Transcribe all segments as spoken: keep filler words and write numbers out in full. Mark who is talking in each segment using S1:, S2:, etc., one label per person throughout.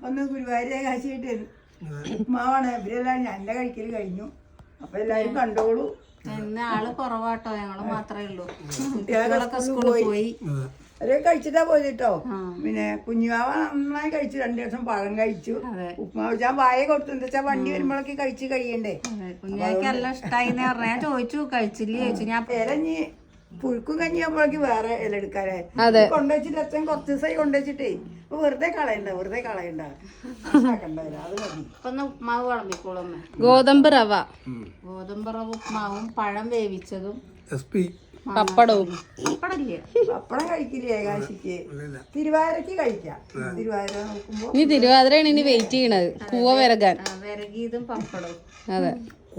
S1: ഒന്ന് ഗുരുവായൂർ ഏകാശിയായിട്ട് ഉപ്മാവാണ്. ഇവരെല്ലാം എന്റെ കഴിക്കൽ കഴിഞ്ഞു. അപ്പൊ എല്ലാരും കണ്ടോളൂ.
S2: ഇന്ന് ആള് കുറവാട്ടോ, ഞങ്ങള് മാത്രമേ ഉള്ളൂ.
S1: കുട്ടികളൊക്കെ സ്കൂളിൽ പോയി. അവരൊക്കെ കഴിച്ചിട്ടാ പോയത് കേട്ടോ. പിന്നെ കുഞ്ഞുമാവ നന്നായി കഴിച്ചു. രണ്ടു ദിവസം പഴം കഴിച്ചു. ഉപ്മാവ് ഞാൻ വായ കൊടുത്തു. എന്താ വെച്ചാ വണ്ടി വരുമ്പോഴൊക്കെ കഴിച്ച് കഴിയണ്ടേ.
S2: കുഞ്ഞാക്ക് എല്ലാം ഇഷ്ടായി ഞാൻ ചോദിച്ചു, കഴിച്ചില്ലേ ചോദിച്ചു. ഞാൻ
S1: ഇലഞ്ഞി പുഴുക്കും കഞ്ഞി ആകുമ്പോഴേക്ക് വേറെ ഇല എടുക്കാനേ കൊണ്ടുവച്ചിട്ട് അച്ഛൻ കുറച്ച് ദിവസമായി കൊണ്ടുവച്ചിട്ടേ അപ്പൊ വെറുതെ കളയണ്ട വെറുതെ കളയണ്ട കണ്ടല്ല അത് മതി.
S2: ഇപ്പൊ ഉപ്മാവ് വിളമ്പിക്കോളും.
S3: ഗോതമ്പ് റവ,
S2: ഗോതമ്പ് റവ ഉപ്മാവും പഴം വേവിച്ചതും
S3: പപ്പടവും.
S2: പപ്പടല്ലേ?
S1: പപ്പടം കഴിക്കില്ലേ ഏകാശിക്ക്? തിരുവാതിരക്ക് കഴിക്കാം. തിരുവാതിര നോക്കുമ്പോ
S3: ഇനി തിരുവാതിരയാണ് ഇനി വെയിറ്റ് ചെയ്യണത് കൂവ വിറകാൻ.
S2: വിറകിയതും പപ്പടവും.
S3: അതെ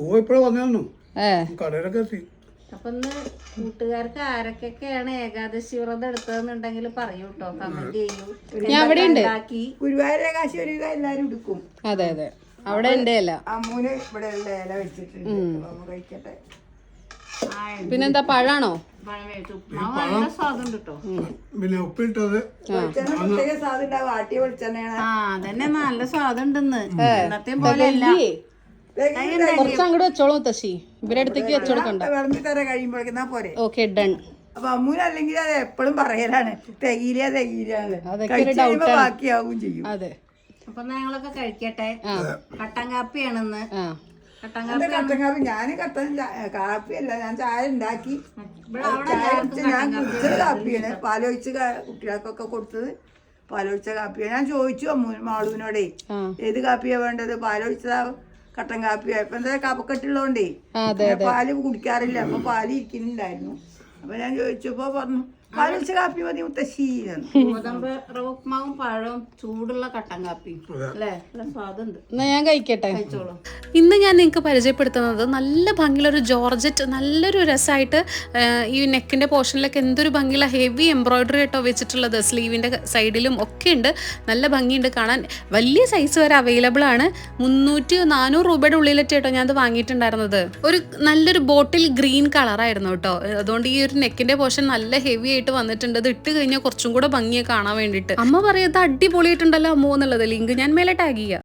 S3: ഏ
S2: അപ്പൊ ഇന്ന് കൂട്ടുകാർക്ക് ആരൊക്കെയാണ് ഏകാദശി വ്രതം എടുത്തതെന്നുണ്ടെങ്കിൽ പറയൂ കേട്ടോ, കമന്റ് ചെയ്യൂ.
S3: ഞാൻ അവിടെ ഉണ്ട്.
S1: ഗുരുവായൂർ ഏകാശി ഒരു എല്ലാരും എടുക്കും.
S3: അതെ അതെ അവിടെ ഉണ്ട് അല്ല.
S1: അമ്മൂന് ഇവിടെ ഉള്ള ഇല വെച്ചിട്ടുണ്ട്. അമ്മ കഴിക്കട്ടെ.
S3: പിന്നെന്താ പഴാണോ?
S2: പഴം വേവിച്ചു ഉപ്മാവ് നല്ല സ്വാദുണ്ട് കേട്ടോ.
S4: പിന്നെ ഉപ്പിട്ടത്
S1: പ്രത്യേക സ്വാദ് ഉണ്ടാവും. ആട്ടിയ വെളിച്ചെണ്ണയാണ്.
S2: ആ അതന്നെ നല്ല സ്വാദുണ്ടെന്ന്. ഇന്നത്തെ പോലെ അല്ല.
S3: കുറച്ച് അങ്ങോട്ട് വെച്ചോളൂ മുത്തശ്ശി, ഇവരെ അടുത്തേക്ക് വെച്ചോടുക്കണ്ട.
S1: വിളമ്പി തരാൻ കഴിയുമ്പോഴേക്കാ പോരെ.
S3: Okay done.
S1: അപ്പൊ അമ്മൂന് അല്ലെങ്കിൽ അത് എപ്പോഴും പറയലാണ് തികയില്ല തികയില്ലാന്ന്. കഴിച്ചുമ്പോ ബാക്കിയാവും ചെയ്യും.
S3: അതെ
S2: അപ്പൊ ഞങ്ങളൊക്കെ കഴിക്കട്ടെ. കട്ടൻ കാപ്പിയാണെന്ന്. കട്ടൻ
S1: എന്റെ കട്ടൻ കാപ്പി ഞാന് കട്ടൻ കാപ്പിയല്ല, ഞാൻ ചായ ഉണ്ടാക്കി. ഞാൻ കുടിച്ചത് കാപ്പിയാണ്. പാലൊഴിച്ച് കുട്ടികൾക്കൊക്കെ കൊടുത്തത് പാലൊഴിച്ച കാപ്പിയാണ്. ഞാൻ ചോദിച്ചു അമ്മൂ മാളൂനോടേ ഏത് കാപ്പിയാ വേണ്ടത്, പാലൊഴിച്ചതാ കട്ടൻ കാപ്പിയാ. ഇപ്പൊ എന്താ കപക്കെട്ടുള്ളതുകൊണ്ടേ പാല് കുടിക്കാറില്ല. അപ്പൊ പാല് ഇരിക്കുന്നുണ്ടായിരുന്നു. അപ്പൊ ഞാൻ ചോദിച്ചപ്പോ പറഞ്ഞു പാലൊഴിച്ച കാപ്പി മതി മുത്തശ്ശി.
S2: ഗോതമ്പ് റവ ഉപ്മാവും പഴവും ചൂടുള്ള കട്ടൻ കാപ്പി അല്ലേ, നല്ല സ്വാദുണ്ട്.
S3: എന്നാ ഞാൻ കഴിക്കട്ടെ.
S2: കഴിച്ചോളൂ.
S3: ഇന്ന് ഞാൻ നിങ്ങൾക്ക് പരിചയപ്പെടുത്തുന്നത് നല്ല ഭംഗിയുള്ളൊരു ജോർജറ്റ്, നല്ലൊരു രസമായിട്ട് ഈ നെക്കിൻ്റെ പോർഷനിലൊക്കെ എന്തൊരു ഭംഗിയുള്ള ഹെവി എംബ്രോയിഡറി ആയിട്ടോ വെച്ചിട്ടുള്ളത്. സ്ലീവിൻ്റെ സൈഡിലും ഒക്കെ ഉണ്ട്. നല്ല ഭംഗിയുണ്ട് കാണാൻ. വലിയ സൈസ് വരെ അവൈലബിൾ ആണ്. മുന്നൂറ്റി നാനൂറ് രൂപയുടെ ഉള്ളിലൊക്കെ കേട്ടോ ഞാനത് വാങ്ങിയിട്ടുണ്ടായിരുന്നത്. ഒരു നല്ലൊരു ബോട്ടിൽ ഗ്രീൻ കളറായിരുന്നു കേട്ടോ. അതുകൊണ്ട് ഈ ഒരു നെക്കിൻ്റെ പോർഷൻ നല്ല ഹെവി ആയിട്ട് വന്നിട്ടുണ്ട്. ഇത് ഇട്ട് കഴിഞ്ഞാൽ കുറച്ചും കൂടെ ഭംഗിയെ കാണാൻ വേണ്ടിയിട്ട്. അമ്മ പറയുന്നത് അടിപൊളിയായിട്ടുണ്ടല്ലോ അമ്മോ എന്നുള്ളത്. ലിങ്ക് ഞാൻ മേലെ ടാഗ് ചെയ്യാം.